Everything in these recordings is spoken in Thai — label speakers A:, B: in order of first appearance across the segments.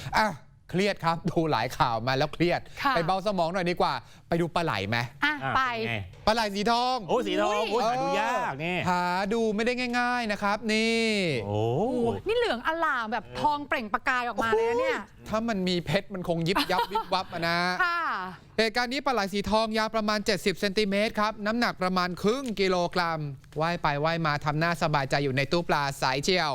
A: อ่ะเครียดครับดูหลายข่าวมาแล้วเครียดไปเบาสมองหน่อยดีกว่าไปดูปลาไหลไหม
B: ไป
A: ปลาไหลสีทอง
B: โอ้สีทองหาดูยากนี่
A: หาดูไม่ได้ง่ายๆนะครับนี่
B: โอ้
C: นี่เหลืองอลามแบบทองเปล่งประกายออกมาเลยเนี่ย
A: ถ้ามันมีเพชรมันคงยิบยับวิบวับนะเหตุการณ์นี้ปลาไหลสีทองยาวประมาณ70 เซนติเมตรครับน้ำหนักประมาณครึ่งกิโลกรัมว่ายไปว่ายมาทำหน้าสบายใจอยู่ในตู้ปลาสายเชียว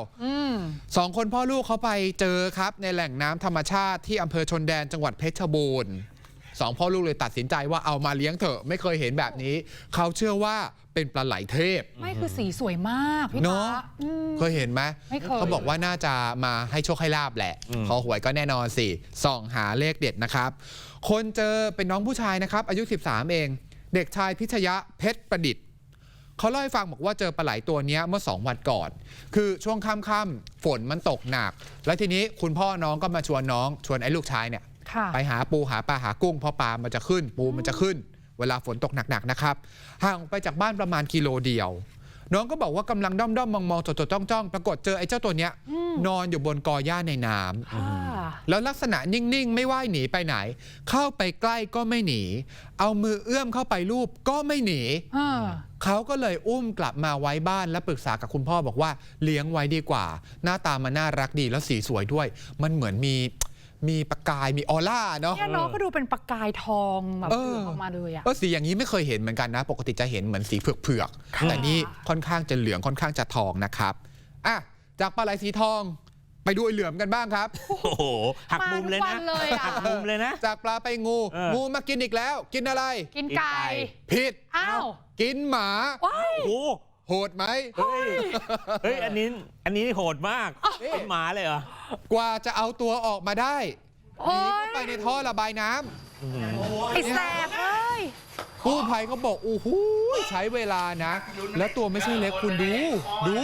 A: 2 คนพ่อลูกเขาไปเจอครับในแหล่งน้ำธรรมชาติที่อำเภอชนแดนจังหวัดเพชรบูรณ์2 พ่อลูกเลยตัดสินใจว่าเอามาเลี้ยงเถอะไม่เคยเห็นแบบนี้เขาเชื่อว่าเป็นปลาไหลเทพ
C: ไม่คือสีสวยมากพี่ตา
A: เคยเห็นไหมเขาบอกว่าน่าจะมาให้โชคให้ลาบแหละขอหวยก็แน่นอนสิส่องหาเลขเด็ดนะครับคนเจอเป็นน้องผู้ชายนะครับอายุ13เองเด็กชายพิชยะเพชรประดิษฐ์เขาเล่าให้ฟังบอกว่าเจอปลาไหลตัวนี้เมื่อ2 วันก่อนคือช่วงค่ำๆฝนมันตกหนักแล้วทีนี้คุณพ่อน้องก็มาชวนไอ้ลูกชายเนี่ยไปหาปูหาปลาหากุ้งเพราะปลามันจะขึ้นปูมันจะขึ้นเวลาฝนตกหนักๆนะครับห่างไปจากบ้านประมาณกิโลเดียวน้องก็บอกว่ากำลังด้อมๆมองๆจดๆจ้องๆปรากฏเจอไอ้เจ้าตัวเนี้ยนอนอยู่บนกอหญ้าในน้ำแล้วลักษณะนิ่งๆไม่ว่ายหนีไปไหนเข้าไปใกล้ก็ไม่หนีเอามือเอื้อมเข้าไปลูบก็ไม่หนีเขาก็เลยอุ้มกลับมาไว้บ้านและปรึกษากับคุณพ่อบอกว่าเลี้ยงไว้ดีกว่าหน้าตามันน่ารักดีแล้วสีสวยด้วยมันเหมือนมีประกายมีออร่าเนาะ
C: เนี่ยน้องก็ดูเป็นประกายทองแบบออกมาเลยอะ
A: สีอย่างนี้ไม่เคยเห็นเหมือนกันนะปกติจะเห็นเหมือนสีเผือกๆแต่นี่ค่อนข้างจะเหลืองค่อนข้างจะทองนะครับอ่ะจากปลาไหลสีทองไปดูไอ้เหลือมกันบ้างครับ
B: โอ้โหหักมุมเลยนะหักมุมเลยนะ
A: จากปลาไปงูมากินอีกแล้วกินอะไร
C: กินไก่
A: ผิดกินหมา
B: โอ้โห
A: โหดไหม
B: เฮ้ยอันนี้โหดมากเป็นหมาเลยเหรอก
A: ว่าจะเอาตัวออกมาได้หนีเข้าไปในท่อระบายน้
C: ำไอ้แสบเลย
A: กู้ภัยเขาบอกโอ้โหใช้เวลานะแล้วตัวไม่ใช่เล็กคุณดู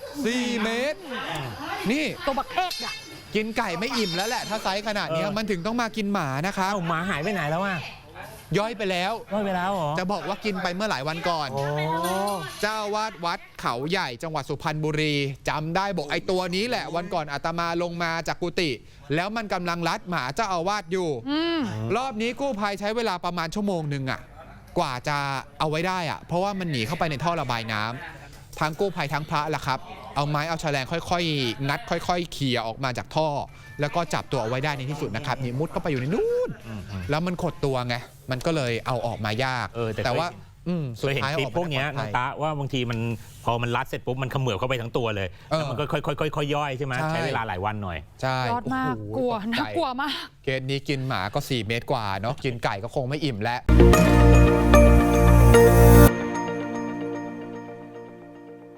A: 4 เมตรนี่
C: ตัวบักเอกอะ
A: กินไก่ไม่อิ่มแล้วแหละถ้าไซส์ขนาดนี้มันถึงต้องมากินหมานะครับ
B: หมาหายไปไหนแล้วอะ
A: ย่อยไปแล้ว
B: เหรอ
A: จะบอกว่ากินไปเมื่อหลายวันก่อนเจ้าวาดวัดเขาใหญ่จังหวัดสุพรรณบุรีจำได้บอกไอ้ตัวนี้แหละวันก่อนอาตมาลงมาจากกุฏิแล้วมันกำลังลัดหมาเจ้าอาวาสอยู่รอบนี้กู้ภัยใช้เวลาประมาณ1 ชั่วโมงอ่ะกว่าจะเอาไว้ได้อ่ะเพราะว่ามันหนีเข้าไปในท่อระบายน้ำทั้งกู้ภัยทั้งพระล่ะครับเอาไม้เอาแฉลงค่อยๆงัดค่อยๆเขี่ยออกมาจากท่อแล้วก็จับตัวเอาไว้ได้ในที่สุดนะครับนี่มุดเข้าไปอยู่ในนู้นแล้วมันขดตัวไงมันก็เลยเอาออกมายากแต่ว่า
B: สุดท้ายออกพวกนี้น้องตาว่าบางทีมันพอมันรัดเสร็จปุ๊บมันเขมือบเข้าไปทั้งตัวเลยแล้วมันก็ค่อยๆย่อยใช่ไหมใช้เวลาหลายวันหน่อย
A: ใช่
C: ยอดมากกลัวน่ากลัวมาก
A: เคสนี้กินหมาก็4 เมตรกว่าเนาะกินไก่ก็คงไม่อิ่มแล้ว